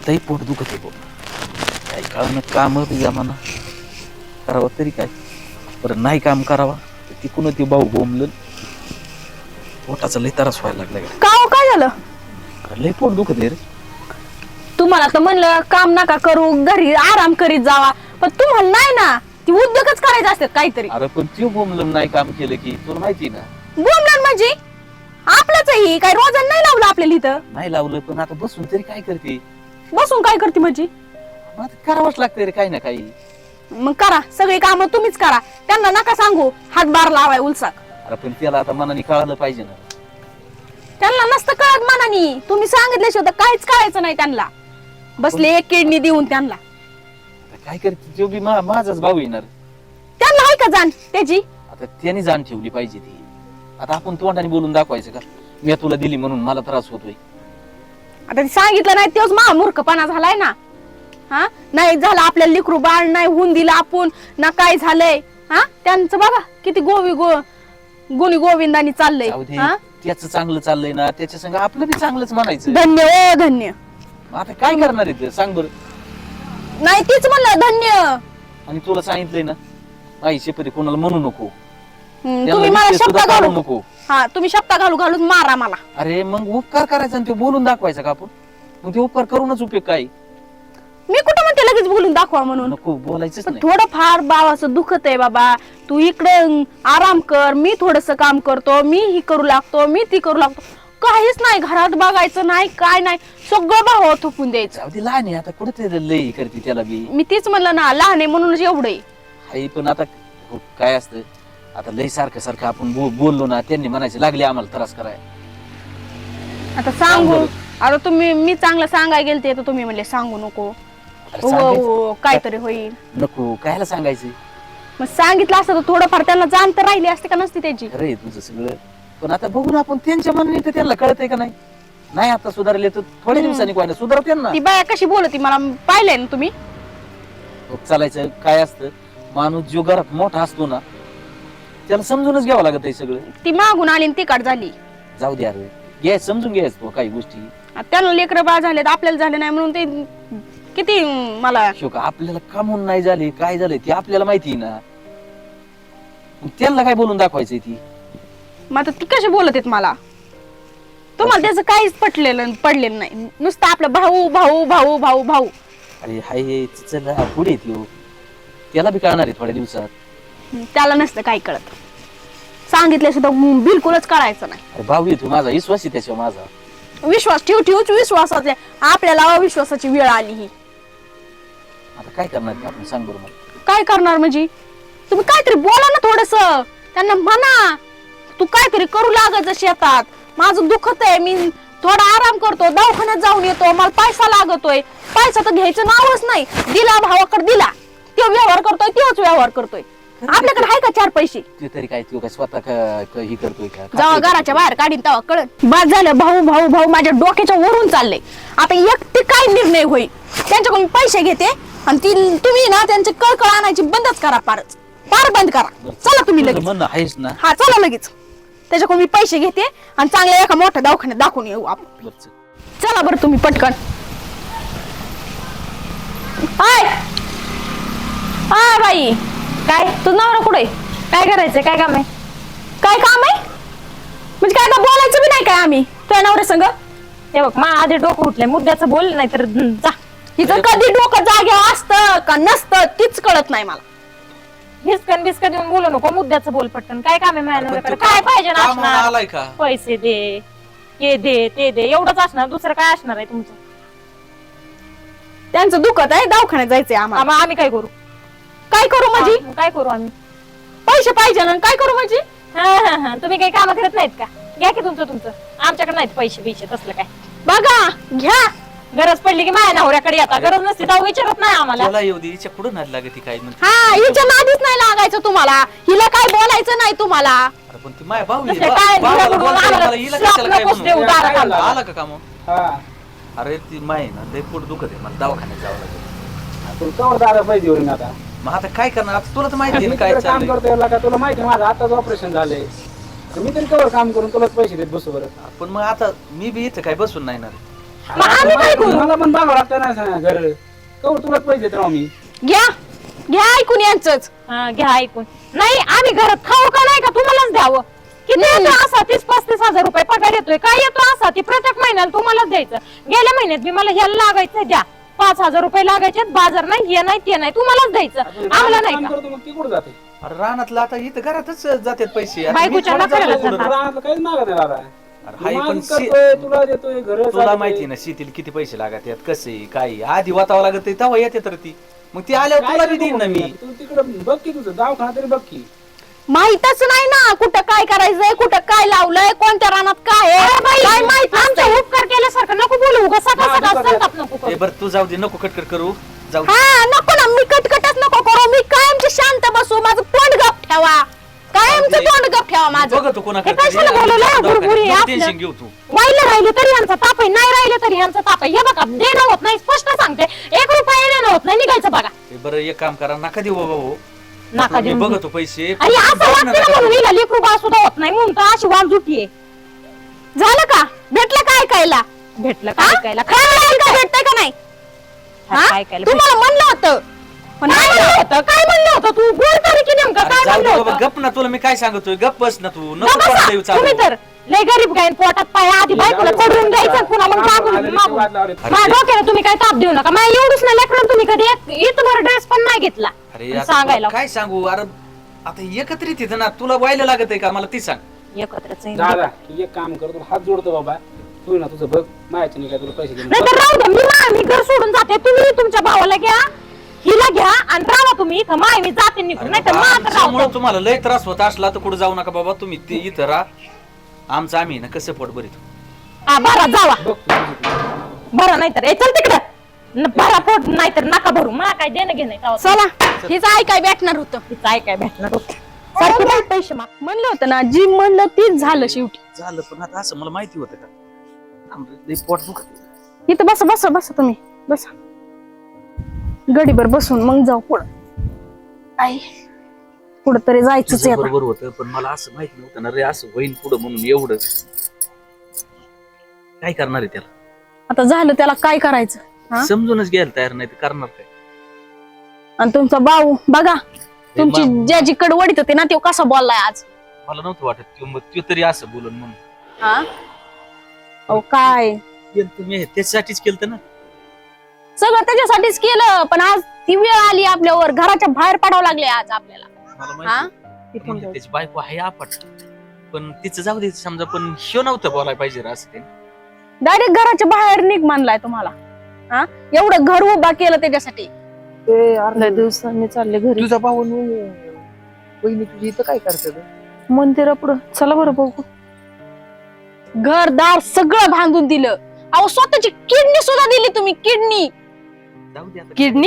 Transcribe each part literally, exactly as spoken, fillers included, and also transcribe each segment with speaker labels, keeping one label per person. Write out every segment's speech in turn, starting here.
Speaker 1: लई पोट दुखत आहे काही काळानं काम जमाना करावं तरी काय बरं नाही काम करावा तिकून ते भाऊ बोंबलं पोटाचा लई त्रास व्हायला लागला
Speaker 2: का हो, काय झालं?
Speaker 1: अरे लई पोट दुखत आहे रे.
Speaker 2: तुम्हाला तर म्हणलं काम नका करू घरी आराम करीत जावा पण तुम्हाला नाही ना ती उद्योगच करायचे असतात काहीतरी.
Speaker 1: अरे पण त्यो बोंबलं नाही काम केलं की तुला माहिती ना
Speaker 2: बोंबलं म्हणजे आपलंच ही काय रोजन नाही लावलं आपल्याला इथं.
Speaker 1: नाही लावलं पण आता बसून तरी काय करते
Speaker 2: बसून काय करते म्हणजे
Speaker 1: मग आता करावंच लागतं रे काही ना काही.
Speaker 2: मग करा सगळी कामं तुम्हीच करा त्यांना नका सांगू हातभार लावाय उलसाक.
Speaker 1: अरे पण त्याला आता मनाने कळालं पाहिजे ना.
Speaker 2: त्यांना नसतं कळत मनानी तुम्ही सांगितल्याशिवाय तर काहीच कळायचं नाही त्यांना. बसले एक किडनी देऊन त्यांना
Speaker 1: आता काय करते तो बी मा- माझाच भाऊ येणार
Speaker 2: त्यांना आहे का जाण त्याची.
Speaker 1: आता त्याने जाण ठेवली पाहिजे ती. आता आपण तोंडाने बोलून दाखवायचं का मी तुला दिली म्हणून मला त्रास होतोय.
Speaker 2: आता ते सांगितलं नाही तेच मा मूर्खपणा झालाय ना. हा नाही झालं आपल्याला लिकरू बाळ नाही होऊन दिलं आपण ना काय झालंय. हा त्यांचं बघा किती गोवी गो गुणी गोविंदानी चाललंय.
Speaker 1: जाऊ दे,
Speaker 2: हा
Speaker 1: त्याचं चांगलं चाललंय ना त्याच्या संग आपलं बी चांगलंच म्हणायचं.
Speaker 2: धन्य ओ धन्य.
Speaker 1: आता काय करणार आहे ते सांग बरं.
Speaker 2: नाही तीच म्हणलं धन्य.
Speaker 1: आणि तुला सांगितलंय ना आई शेपरी कोणाला म्हणू नको
Speaker 2: हम्म,
Speaker 1: त्याला
Speaker 2: तुम्ही मला
Speaker 1: विषय
Speaker 2: शब्द
Speaker 1: सुद्धा काढू
Speaker 2: घालू
Speaker 1: नको.
Speaker 2: हा तुम्ही शब्द घालू घालून मारा मला.
Speaker 1: अरे मग उपकार करायचा आणि ते बोलून दाखवायचा का आपण मग ते उपकार करूनच उपयोग काय.
Speaker 2: मी कुठं म्हणते लगेच बोलून दाखवा म्हणून.
Speaker 1: नको बोलायचंच
Speaker 2: पण
Speaker 1: नाही.
Speaker 2: थोडं फार भावाचं दुखत आहे बाबा तू इकडे आराम कर मी थोडस काम करतो मी ही करू लागतो मी ती करू लागतो काहीच नाही घरात बघायचं नाही काय नाही सगळं भाव थोपून द्यायचं.
Speaker 1: जाऊ दे लहान आहे आता कुठे ते लई करते त्याला बी.
Speaker 2: मी तीच म्हणलं ना लहान आहे म्हणूनच एवढं.
Speaker 1: आई पण आता हो, काय असतं आता लई सारखं सारखं आपण बो- बोललो ना त्यांनी म्हणायचे लागले आम्हाला त्रास कराय.
Speaker 2: आता सांगू
Speaker 1: सांग
Speaker 2: आता तुम्ही मी चांगलं सांगायला गेलते तर तुम्ही म्हणले सांगू नको.
Speaker 1: अरे
Speaker 2: हो
Speaker 1: सांगायचं.
Speaker 2: हो काहीतरी होईल.
Speaker 1: नको कायला सांगायचं
Speaker 2: मग सांगितलं असतं तर थोडंफार त्यांना जाण तर राहिली असते का नसती त्याची.
Speaker 1: खरंय तुझं सगळं पण आता बघून आपण त्यांच्या मनाने तर त्यांना कळतंय का नाही. नाही आता सुधारले तर थोड्या दिवसांनी काय ना सुधारव त्यांना.
Speaker 2: ती बाया कशी बोलती मला पाहिलंय ना तुम्ही.
Speaker 1: चालायचं काय असतं माणूस जो घरात मोठा असतो ना त्याला समजूनच घ्यावं लागत आहे सगळं.
Speaker 2: ती मागून आली आणि तिकड झाली.
Speaker 1: जाऊ द्या रे घ्याय समजून घ्यायच तो काही गोष्टी.
Speaker 2: आता त्यांना लेकरं बाळ झाले आपल्याला झाले नाही म्हणून ते किती मला
Speaker 1: शोक आपल्याला कामून नाही झाले काय झालंय ते आपल्याला माहिती आहे ना. मग त्यांना काय बोलून दाखवायचंय ती.
Speaker 2: मग आता ती कशी बोलत आहेत मला तुम्हाला त्याचं काहीच पटलेलं पडलेलं नाही नुसतं आपलं भाऊ भाऊ भाऊ भाऊ भाऊ.
Speaker 1: अरे हाय हे चल पुढे येतो त्याला बी कळणार आहे थोड्या दिवसात.
Speaker 2: त्याला नसतं काही कळत सांगितलं सुद्धा बिलकुलच कळायचं नाही.
Speaker 1: अरे भाऊ येतो माझा विश्वास आहे त्याच्यावर माझा.
Speaker 2: विश्वास ठेव ठेवच विश्वासाचे आपल्याला अविश्वासाची वेळ आली ही.
Speaker 1: आता काय करणार ते आपण सांग बरं मला.
Speaker 2: काय करणार म्हणजे तुम्ही काहीतरी बोला ना थोडस त्यांना म्हणा तू काहीतरी करू लागायचं शेतात माझं दुखत आहे मी थोडा आराम करतो दवाखान्यात जाऊन येतो मला पैसा लागतोय पैसा तर घ्यायचं नावच नाही दिला भावाकडे दिला तो व्यवहार करतोय तोच व्यवहार करतोय आपल्याकडे आहे का चार पैसे.
Speaker 1: ते तरी काय तू काय स्वतः क- क- ही करतोय का
Speaker 2: जेव्हा घराच्या बाहेर काढीन तेव्हा कळत बाद झालं भाऊ भाऊ भाऊ माझ्या डोक्याच्या वरून चाललंय. आता एकटी काय निर्णय होईल त्यांच्याकडून पैसे घेते आणि ती तुम्ही ना त्यांचे कळकळ आणायची बंदच करा पारच पार बंद करा. चला तुम्ही लगेच.
Speaker 1: म्हणणं आहेस ना.
Speaker 2: हा चला लगेच त्याच्याकडून मी पैसे घेते आणि चांगल्या एका मोठ्या दवाखान्यात दाखवून येऊ आपण.
Speaker 1: बरं चल.
Speaker 2: चला बरं तुम्ही पटकन. हाय हाय बाई काय तुझं नवरा कुठे काय करायचंय काय काम आहे काय काम आहे म्हणजे काय आता बोलायचं बी नाही काय आम्ही तुझ्या नवऱ्या संग.
Speaker 3: हे बघ मा आधी डोकं उठलंय मुद्द्याचं बोल नाही तर जा.
Speaker 2: हिचं कधी डोकं जाग्यावर असतं का नसतं तीच कळत नाही मला.
Speaker 3: हिसकन बिस्कन देऊन बोलू नको मुद्द्याचं बोल पटकन काय काम आहे माझ्या
Speaker 1: पण
Speaker 3: नवऱ्याकडे
Speaker 1: तो
Speaker 3: काय पाहिजे ना
Speaker 1: कामाला
Speaker 3: असणार
Speaker 1: आलाय का
Speaker 3: पैसे दे हे दे ते दे एवढंच असणार दुसरं काय असणार आहे तुमचं.
Speaker 2: त्यांचं दुखत आहे दवाखान्यात जायचंय आम्हाला.
Speaker 3: आम्हा- आम्ही काय करू
Speaker 2: काय करू म्हणजे
Speaker 3: हा, काय करू आम्ही
Speaker 2: पैसे पाहिजे ना काय करू म्हणजे.
Speaker 3: हा हा हा तुम्ही काही काम करत नाहीत का घ्या की तुमचं तुमचं आमच्याकडे नाहीत पैसे बिशे तसलं काय
Speaker 2: बघा घ्या
Speaker 3: गरज पडली की माझ्या नवऱ्याकडे येतात गरज नसती तर विचारत नाही आम्हाला.
Speaker 1: त्याला येऊ दे हिच्या पुढे नाही लागत काय म्हणते.
Speaker 2: हा हिच्या नादीच नाही लागायचं तुम्हाला हिला काय बोलायचं नाही तुम्हाला.
Speaker 1: अरे पण ती माय भाऊ आहे.
Speaker 3: दुसरं
Speaker 1: बा-
Speaker 3: काय
Speaker 1: भावाला
Speaker 3: दुसरं
Speaker 1: बोलता
Speaker 3: आम्हाला
Speaker 1: मला हिला कशाला काय
Speaker 3: नकोच देऊ
Speaker 1: म्हणू?
Speaker 3: दारात आम्हाला.
Speaker 1: आला का काम अरे ती माय ना लय पोट दुखत आहे मला दवाखान्यात जावं लागेल.
Speaker 4: तुमच्यावर दादा पाहिजे होईल आता.
Speaker 1: मग आता काय करणार आता तुला तर माहिती आहे
Speaker 4: मी
Speaker 1: ना काय
Speaker 4: तिकडे काम
Speaker 1: चाललंय.
Speaker 4: करतोय का तुला माहिती आहे माझं आताच ऑपरेशन झालंय तर मी तरी कवर काम करून तुलाच पैसे देत बसू बरं.
Speaker 1: पण मग आता मी बी इथं काय बसून नाही ना रे.
Speaker 2: मग आम्ही काय करू?
Speaker 4: मला पण बघावं लागतं ना घर कवर तुला पैसे देत राहू मी.
Speaker 2: घ्या घ्या ऐकून यांचंच.
Speaker 3: हा घ्या ऐकून. नाही आम्ही घरात खाऊ का नाही का तुम्हालाच द्यावं. किती येतो असा तीस पस्तीस हजार रुपये पगार येतोय. काय येतो असा ती प्रत्येक महिन्याला तुम्हालाच द्यायचं. गेल्या महिन्यात बी मला ह्याला लागायचं द्या पाच हजार रुपये लागायचे. बाजार नाही हे नाही ते नाही तुम्हालाच द्यायचं आम्हाला नाही
Speaker 4: काम
Speaker 3: का.
Speaker 4: करतो मग ती कुठं जाते
Speaker 1: अरे रानातलं आता इथं घरातच जातात पैसे. आता
Speaker 3: बायकोच्या
Speaker 1: मी थोडं
Speaker 3: नखऱ्याला
Speaker 1: जातो कुठं.
Speaker 4: रानातलं काहीच मागत नाही दादा.
Speaker 1: अरे हाय
Speaker 4: तू
Speaker 1: पण
Speaker 4: माझं
Speaker 1: शी-
Speaker 4: करतोय, तुला देतोय घर
Speaker 1: तुला माहिती ना शेतीला किती पैसे लागत आहेत कसे काय आधी वातावं लागत तेव्हा येते तर ती मग ती आल्यावर तुला बी देईन ना मी.
Speaker 4: तू तिकडे बघ की तुझं दवाखाना तरी बघ की.
Speaker 2: माहितच नाही ना कुठं काय करायचंय कुठं काय लावलंय कोणत्या रानात काय आहे काय माहित
Speaker 3: आमचा उपकार केल्यासारखं नको बोलू उगा सकाळ
Speaker 4: हा,
Speaker 3: सकाळ
Speaker 4: दुपारी-
Speaker 3: संताप नको
Speaker 1: ए
Speaker 3: करू.
Speaker 1: बरं तू जाऊ दे नको कटकट करू जाऊ दे.
Speaker 2: हा नको ना मी कटकटच नको करू. मी कायमची शांत बसू. माझं तोंड गप ठेवा. कायमचं तोंड गप ठेवा माझं.
Speaker 1: बघ तू कोणाकडे
Speaker 3: हे कशाला बोलवलंय? गुरगुरी आपलं.
Speaker 1: टेन्शन घेऊ तू.
Speaker 3: राहिलं राहिले तरी यांचा ताप आहे नाही राहिले तरी यांचा ताप आहे. हे बघा देणं होत नाही स्पष्ट सांगते. एक रुपया देणं होत नाही निघायचं बघा.
Speaker 1: ए बरं एक काम करा नका देऊ बाबा हो.
Speaker 3: नका
Speaker 1: मी
Speaker 3: देऊ.
Speaker 1: बघतो पैसे
Speaker 3: आणि असं
Speaker 1: बघ ना
Speaker 3: वाटतं
Speaker 1: नका
Speaker 3: म्हणून
Speaker 1: देऊ.
Speaker 3: हिला लेकरू बाळ सुद्धा होत नाही म्हणून तर अशी वाल जुटी आहे.
Speaker 2: झालं का भेटलं काय ऐकायला?
Speaker 3: भेटलं
Speaker 2: हा?
Speaker 3: काय ऐकायला
Speaker 2: काय काय भेटतंय का नाही? हा?
Speaker 3: काय ऐकायला
Speaker 2: तुम्हाला म्हणलं होतं पण
Speaker 3: काय
Speaker 2: नाही
Speaker 3: म्हणलं होतं काय म्हणलं होतं तू बोल तरी की नेमकं
Speaker 1: अरे
Speaker 3: काय
Speaker 1: जाऊ दे
Speaker 3: म्हणलं
Speaker 1: बाबा
Speaker 3: होतं.
Speaker 1: गप ना तुला मी काय सांगतोय गप बस ना तू नको
Speaker 3: गप्प
Speaker 1: कोणाला
Speaker 3: बसा.
Speaker 1: देऊ चालू.
Speaker 3: तुम्ही तर लय गरीब गायन पोटात पाय आधी बायकोला चढवून द्यायचं पुन्हा मग मागून मागून माझ्या डोक्याला तुम्ही काय ताप देऊ नका. माझ्या एवढंच नाही लेकरून तुम्ही कधी एक इथभर ड्रेस पण नाही घेतला
Speaker 1: अरे
Speaker 3: आणि
Speaker 1: आता
Speaker 3: सांगायला
Speaker 1: काय सांगू अरे आता एकत्रित येतं ना तुला व्हायला लागत आहे का मला ती सांग.
Speaker 3: एकत्रच आहे.
Speaker 4: दादा एक काम कर तुला हात जोडतो बाबा. तू ना तुझं बघ माहिती नाही काय तुला पैसे देणार.
Speaker 3: नाही तर राहू द्या मी मा- मी घर सोडून जाते. तुम्ही तुमच्या भावाला घ्या हिला घ्या आणि राहा तुम्ही इथं माय मी जाते निघून नाही तर मग आता
Speaker 1: त्यामुळे
Speaker 3: राहतो.
Speaker 1: तुम्हाला लय त्रास होत असला तर कुठे जाऊ नका बाबा तुम्ही ते इथं राहा. आमचं आम्ही ना कसं पोट भरीत.
Speaker 3: हा बरं जावा
Speaker 4: बघ तू तुझं तू.
Speaker 3: बरं नाही तर चल तिकडं न- भरा पोट नाही तर नका भरू मला काय देणं घेणं नाही.
Speaker 2: चला हेच ऐकाय भेटणार होतं.
Speaker 3: तिचं ऐकाय भेटणार होतं. सारखी बाई पैसे माग
Speaker 2: म्हणलं होतं ना जी म्हणलं तीच झालं शेवटी.
Speaker 1: झालं पण आता असं मला माहिती होतं का थांब रे, लय पोट दुखत आहे.
Speaker 2: इथं बसा बसा बसा तुम्ही बसा गडीभर बसून मग जाऊ पुढं. आई पुढं तरी जायचंच
Speaker 1: तुझं
Speaker 2: आहे आता.
Speaker 1: बरोबर होतं पण मला असं माहिती नव्हतं ना रे असं होईल पुढं म्हणून एवढं काय करणार आहे त्याला
Speaker 2: आता झालं त्याला काय करायचं हा?
Speaker 1: समजूनच घ्यायला तयार नाही तर करणार काय.
Speaker 2: आणि तुमचा भाऊ बघा तुमची
Speaker 1: मा-
Speaker 2: ज्याची कडवडीत होती ना तो कसा बोललाय आज.
Speaker 1: मला नव्हतं वाटत किंवा मग तो तरी असं बोलून म्हणून
Speaker 2: हा अहो काय
Speaker 1: केलं तुम्ही त्याच्यासाठीच केलं ना.
Speaker 2: सगळं त्याच्यासाठीच केलं पण आज ती वेळ आली आपल्यावर घराच्या बाहेर पडावं लागले आज आपल्याला.
Speaker 1: मला
Speaker 2: हा
Speaker 1: माहिती म्हणजे त्याची बायको आहे आपट पण तिचं जाऊ दे समजा पण ह्यो नव्हतं बोलायला पाहिजे रे असं ते.
Speaker 2: डायरेक्ट घराच्या बाहेर निघ म्हणलाय तुम्हाला. हा एवढं घर उभा केलं त्याच्यासाठी.
Speaker 5: अर्ध्या दिवसांनी चालले घरी.
Speaker 6: तुझा भाऊ बहिणी तुझी इथं काय करतात?
Speaker 5: मंदिरा पुढं चला बरं बघू.
Speaker 2: घरदार सगळं बांधून दिलं. अहो स्वतःची किडनी सुद्धा दिली तुम्ही किडनी.
Speaker 1: जाऊ दे आता.
Speaker 5: किडनी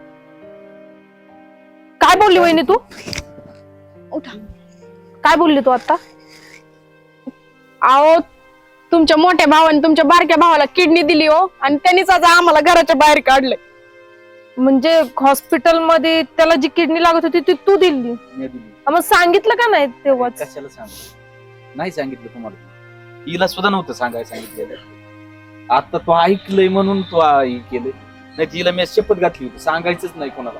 Speaker 5: काय बोलली वहिनी तू?
Speaker 2: उठा.
Speaker 5: काय बोलली तू आता?
Speaker 2: अहो तुमच्या मोठ्या भावाने तुमच्या बारक्या भावाला किडनी दिली हो आणि त्यांनीच आज आम्हाला घराच्या बाहेर काढलंय.
Speaker 5: म्हणजे हॉस्पिटल मध्ये त्याला जी किडनी लागत होती ती तू दिली.
Speaker 1: मी दिली.
Speaker 5: मग सांगितलं का नाही तेव्हाच?
Speaker 1: कशाला सांगू नाही सांगितलं तुम्हाला हिला सुद्धा नव्हतं सांगायला सांगितलेलं. आता तो ऐकलंय म्हणून तो हे केलंय नाही तिला मी शपथ घातली होती सांगायचंच नाही कोणाला.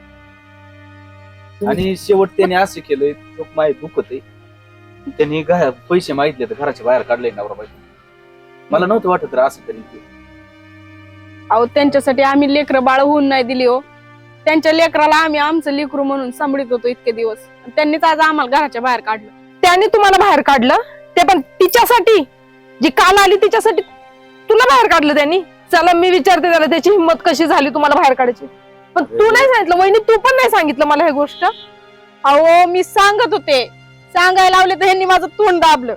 Speaker 1: आणि शेवट त्याने असं केलंय तो माय दुखत आहे त्यांनी घ- पैसे मागितले तर घराच्या बाहेर काढले नवरा बायको. मला नव्हतं वाटत रे असं तरी ते.
Speaker 2: अहो त्यांच्यासाठी आम्ही लेकरं बाळ होऊन नाही दिली हो. त्यांच्या लेकराला आम्ही आमचं लेकरू म्हणून सांभाळत होतो इतके दिवस. त्यांनीच आज आम्हाला घराच्या बाहेर काढलं.
Speaker 5: त्याने तुम्हाला बाहेर काढलं ते पण तिच्यासाठी जी काल आली तिच्यासाठी तुला बाहेर काढलं त्यांनी. चला मी विचारते त्याला त्याची हिंमत कशी झाली तुम्हाला बाहेर काढायची. पण तू नाही सांगितलं वहिनी तू पण नाही सांगितलं मला ही गोष्ट.
Speaker 2: अहो मी सांगत होते सांगायला लावले तर ह्यांनी माझं तोंड दाबलं.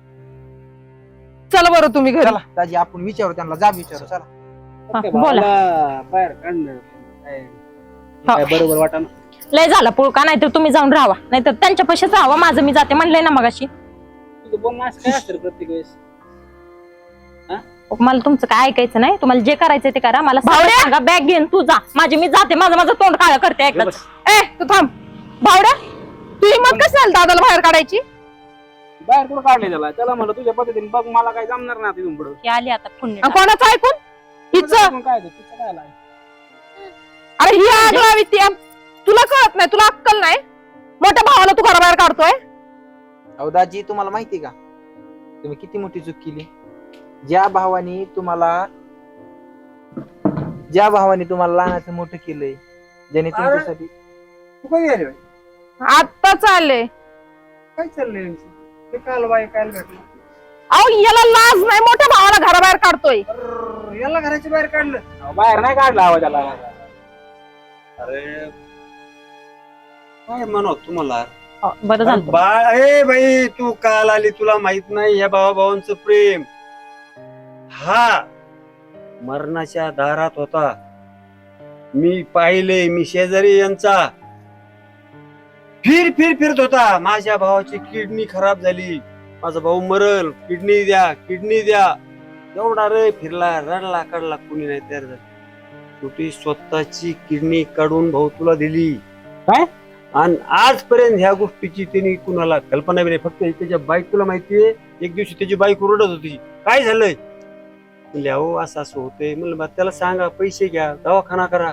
Speaker 5: चला बरं तुम्ही घरी.
Speaker 6: चला दाजी आपण विचारू त्यांना जा विचारू चला.
Speaker 3: हा,
Speaker 4: त्या
Speaker 3: बोला.
Speaker 4: भावाला बाहेर काढणं काय काय बरोबर वाटा ना.
Speaker 3: लय झाला पुळका नाही तर तुम्ही जाऊन राहा नाही तर त्यांच्या पैशाच राहावं माझं मी जाते म्हणलंय ना मगाशी.
Speaker 4: तुझं बोलणं असं काय असतं प्रत्येक वेळेस.
Speaker 3: मला तुमचं काय ऐकायचं नाही. तुम्हाला जे करायचं ते करा. मला
Speaker 5: भावड्या!
Speaker 3: सांगा बॅग घेऊन तू जा माझी मी जाते. माझं माझं तोंड काळ करते ऐकत.
Speaker 5: ए तू थांब भावड्या तू हिंमत कशी झाली दादाला बाहेर काढायची?
Speaker 4: बाहेर कुठं काढले त्याला त्याला म्हणलं तुझ्या पद्धतीने बघ मला काय जमणार नाही तिथून पुढं
Speaker 3: हे आली आता पुण्य
Speaker 5: आणि कोणाचं ऐकून हिचं
Speaker 4: मग काय ते, तिचं काय लाय?
Speaker 5: अरे ही आग लावी ती आम- तुला कळत नाही, तुला अक्कल नाही. मोठ्या भावाला तू घराबाहेर काढतोय.
Speaker 6: अहो दाजी तुम्हाला माहिती का तुम्ही किती मोठी चूक केली. ज्या भावाने तुम्हाला ज्या भावाने तुम्हाला लहानाचं मोठं केलंय, ज्याने तुमच्यासाठी
Speaker 4: तू कधी आली बाई?
Speaker 5: आता चालले
Speaker 4: काय चाललंय यांचं? ते काल बाई काल भेटलं
Speaker 5: अहो याला लाज नाही, मोठ्या भावाला घराबाहेर काढतोय.
Speaker 4: अर्र, याला घराच्या बाहेर काढलं अहो, बाहेर नाही काढलं आवाज त्याला.
Speaker 7: अरे काय म्हणत तुम्हाला
Speaker 3: बरं झालं
Speaker 7: बाळ ए बाई तू काल आली तुला माहित नाही या भावा भावांचं प्रेम हा मरणाच्या दारात होता. मी पाहिले, मी शेजारी यांचा फिर फिर फिरत होता. माझ्या भावाची किडनी खराब झाली, माझा भाऊ मरल, किडनी द्या किडनी द्या एवढा रे फिरला, रडला काढला, कुणी नाही तयार झालं. शेवटी स्वतःची किडनी काढून भाऊ तुला दिली.
Speaker 4: काय?
Speaker 7: आणि आजपर्यंत ह्या गोष्टीची त्यांनी कुणाला कल्पना बी नाही. फक्त त्याच्या बाईक तुला माहितीये, एक दिवशी त्याची बाईक ओरडत होती, काय झालंय म्हणले अहो असं असं होतंय. म्हणलं बा त्याला सांगा पैसे घ्या दवाखाना करा.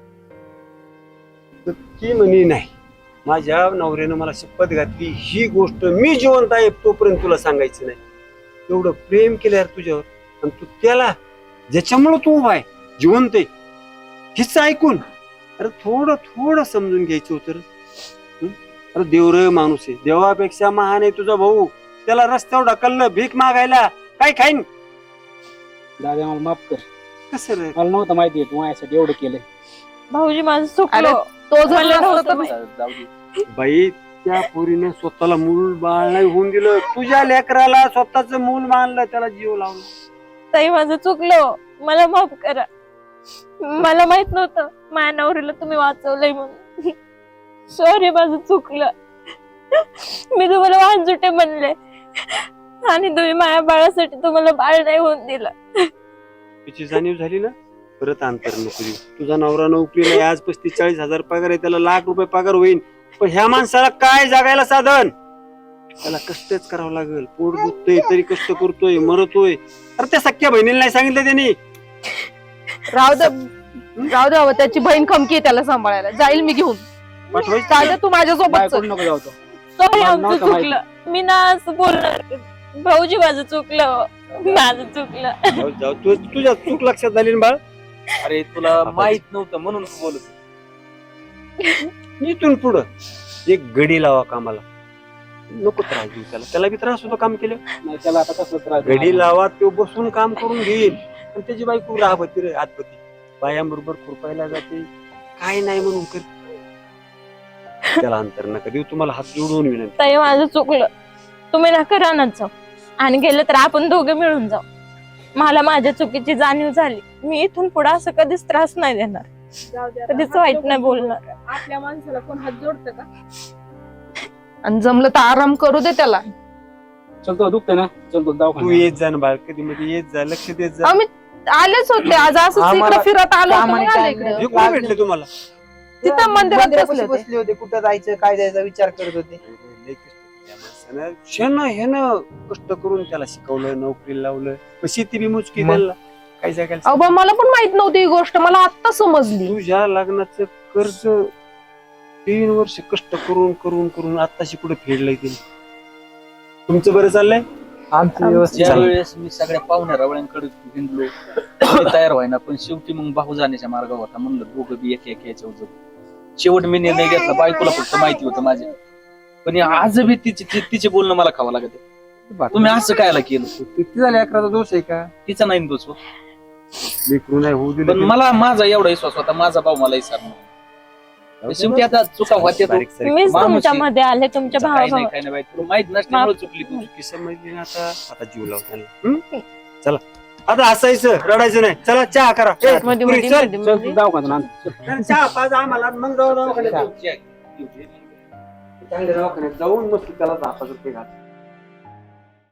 Speaker 7: तर ती म्हणे नाही, माझ्या नवऱ्यानं मला शपथ घातली ही गोष्ट मी जिवंत आहे तोपर्यंत तुला सांगायचं नाही. एवढं प्रेम केलं यार तुझ्यावर, आणि तू त्याला ज्याच्यामुळं तू उभा आहे जिवंत आहे हिच ऐकून अरे थोडं थोडं समजून घ्यायचं होतं रे. हं? अरे देवर माणूस आहे, देवापेक्षा महान आहे तुझा भाऊ. त्याला रस्त्यावर ढकललं भीक मागायला, काय खाईन
Speaker 4: दादा मला माफ कर,
Speaker 7: कसं रे.
Speaker 4: मला नव्हतं माहिती तू माझ्यासाठी एवढं केलंय.
Speaker 3: भाऊजी माझं
Speaker 5: अरे
Speaker 3: चुकलं
Speaker 5: तो जर
Speaker 3: मला
Speaker 5: नसता
Speaker 3: नव्हतं
Speaker 5: तर
Speaker 3: माहित.
Speaker 4: जाऊ दे.
Speaker 7: बाई त्या पोरीनं स्वतःला मूल बाळ नाही होऊन दिलं, तुझ्या लेकराला स्वतःच मूल मानलं, त्याला जीव लावला.
Speaker 3: ताई माझं चुकलं, मला माफ करा. मला माहित नव्हतं माझ्या नवरीला तुम्ही वाचवलंय म्हणून. सॉरी माझं चुकलं. मी तुम्हाला वांजुटे म्हणले आणि तुम्ही माझ्या बाळासाठी तुम्हाला बाळ नाही होऊन दिलं.
Speaker 7: तिची जाणीव झाली ना, परत अंतर नको देऊ. तुझा नवरा नोकरीला आहे, आज पस्तीस चाळीस हजार पगार आहे, त्याला लाख रुपये पगार होईल. पण ह्या माणसाला काय जागायला साधन, त्याला कष्टच करावं लागेल. पोट दुखतोय तरी कष्ट करतोय, मरतोय. अरे त्या सख्या बहिणीला नाही सांगितलं त्यांनी.
Speaker 5: राहू दे राहू दे बाबा, त्याची बहीण खमकी आहे त्याला सांभाळायला. जाईल मी घेऊन.
Speaker 7: पाठवायचं
Speaker 5: चालेल तू माझ्यासोबत
Speaker 4: बाहेर
Speaker 5: चल.
Speaker 4: कुठं नको जाऊ तो.
Speaker 3: सॉरी
Speaker 4: मला
Speaker 3: आमचं
Speaker 4: नव्हतं माहिती.
Speaker 3: चुकलं. मी ना असं बोलणार. भाऊजी माझं चुकलं, माझं चुकलं.
Speaker 7: जाऊ जाऊ तू तुझ्या चूक लक्षात झाली ना बाळ.
Speaker 1: अरे तुला माहित नव्हतं म्हणून बोलत
Speaker 7: इथून पुढं एक गडी लावा कामाला, नको त्रास देऊ त्याला. त्याला बी त्रास होतो काम केलं.
Speaker 4: नाही त्याला आता कसं त्रास
Speaker 7: गडी लावा, तो बसून काम करून घेईल. आणि त्याची बायको राहती रे आतपती, बायांबरोबर खुरपायला जाते, काय नाही म्हणून कर. त्याला अंतर नका देऊ. तुम्हाला हात जोडून विनंती.
Speaker 3: ताई माझं चुकलं, तुम्ही नका रानात जाऊ आणि गेलं तर आपण दोघे मिळून जाऊ. मला माझ्या चुकीची जाणीव झाली. मी इथून पुढे असं कधीच त्रास नाही देणार, कधीच वाईट नाही बोलणार.
Speaker 2: आपल्या माणसाला कोण हात जोडतं का?
Speaker 5: आणि जमलं तर आराम करू दे त्याला.
Speaker 4: चलतो दुखतंय ना, चलतो
Speaker 7: तू
Speaker 4: दवाखान्यात.
Speaker 7: येत जा ना बाळ, कधी मध्ये येत जा, लक्ष देत जा.
Speaker 5: आम्ही आलेच होते आज, असं
Speaker 6: आम्हाला
Speaker 5: इकडे फिरत आलो होतो,
Speaker 6: कामाने
Speaker 5: मग आले
Speaker 6: काय
Speaker 5: इकडे.
Speaker 7: हे कोण भेटले तुम्हाला?
Speaker 5: तिथं मंदिरात
Speaker 6: मंदिरापाशी
Speaker 5: बसले होते.
Speaker 6: बसले होते, कुठं जायचं काय जायचा विचार करत होते.
Speaker 7: लय कष्ट केले या माणसानं. शेणं ह्यानं कष्ट करून त्याला शिकवलं, नोकरीला लावलं. मग शेती बी मुचकी
Speaker 6: मग?
Speaker 7: द्यायला काय जागायला.
Speaker 5: अहो बा, मला पण माहित नव्हती ही गोष्ट, मला आत्ता समजली.
Speaker 7: तुझ्या लग्नाचं कर्ज तीन वर्ष कष्ट करून करून करून आताशी कुठे फेडलंय तिने. तुमचं बरं चाललंय?
Speaker 6: आमचं व्यवस्थित
Speaker 1: ज्या
Speaker 6: झालं.
Speaker 1: वेळेस मी सगळ्या पाहुण्या रावळ्यांकडे हिंडलो ते तयार व्हायना, पण शेवटी मग भाऊ जाण्याच्या मार्गावर होता. म्हणलं दोघं बी एक एक याच्या उजव. शेवट मी निर्णय घेतला, बायकोला फक्त माहिती होतं माझ्या, पण आज बी तिचे ति- तिचे बोलणं मला खावं लागत. तुम्ही असं कायला केलं?
Speaker 6: किती झाले, अकराचा दोष आहे का?
Speaker 1: तिचा नाही दोष हो.
Speaker 7: लेकरू नाही होऊ
Speaker 1: पण
Speaker 7: दिलं.
Speaker 1: मला माझा एवढा विश्वास होता, माझा भाऊ मला विसरणार. शेवटी आता चुका होत्या तो.
Speaker 7: बारीक सारीक
Speaker 3: मीच
Speaker 1: माणूस
Speaker 3: तुमच्या
Speaker 1: आहे.
Speaker 3: मध्ये आले, तुमच्या
Speaker 1: काही
Speaker 3: भावा
Speaker 1: नाही काही नाही बाई, तुला माहित नसल्यामुळे चुकली तू.
Speaker 7: चुकी समजली ना आता. आता जीव लाव त्याला. हं? चला आता हसायचं रडायचं नाही. चला चहा करा. ए,
Speaker 3: मध्ये
Speaker 7: पुरी,
Speaker 3: मध्ये
Speaker 7: चल.
Speaker 3: मध्ये
Speaker 4: चल
Speaker 3: मध्ये.
Speaker 4: तू दवाखान्यात आण. चल.
Speaker 7: चहा पाच आम्हाला, मग जाऊ दवाखान्यात. चांगल्या दवाखान्यात जाऊन मस्त त्याला दहा पाच रुपये घाल.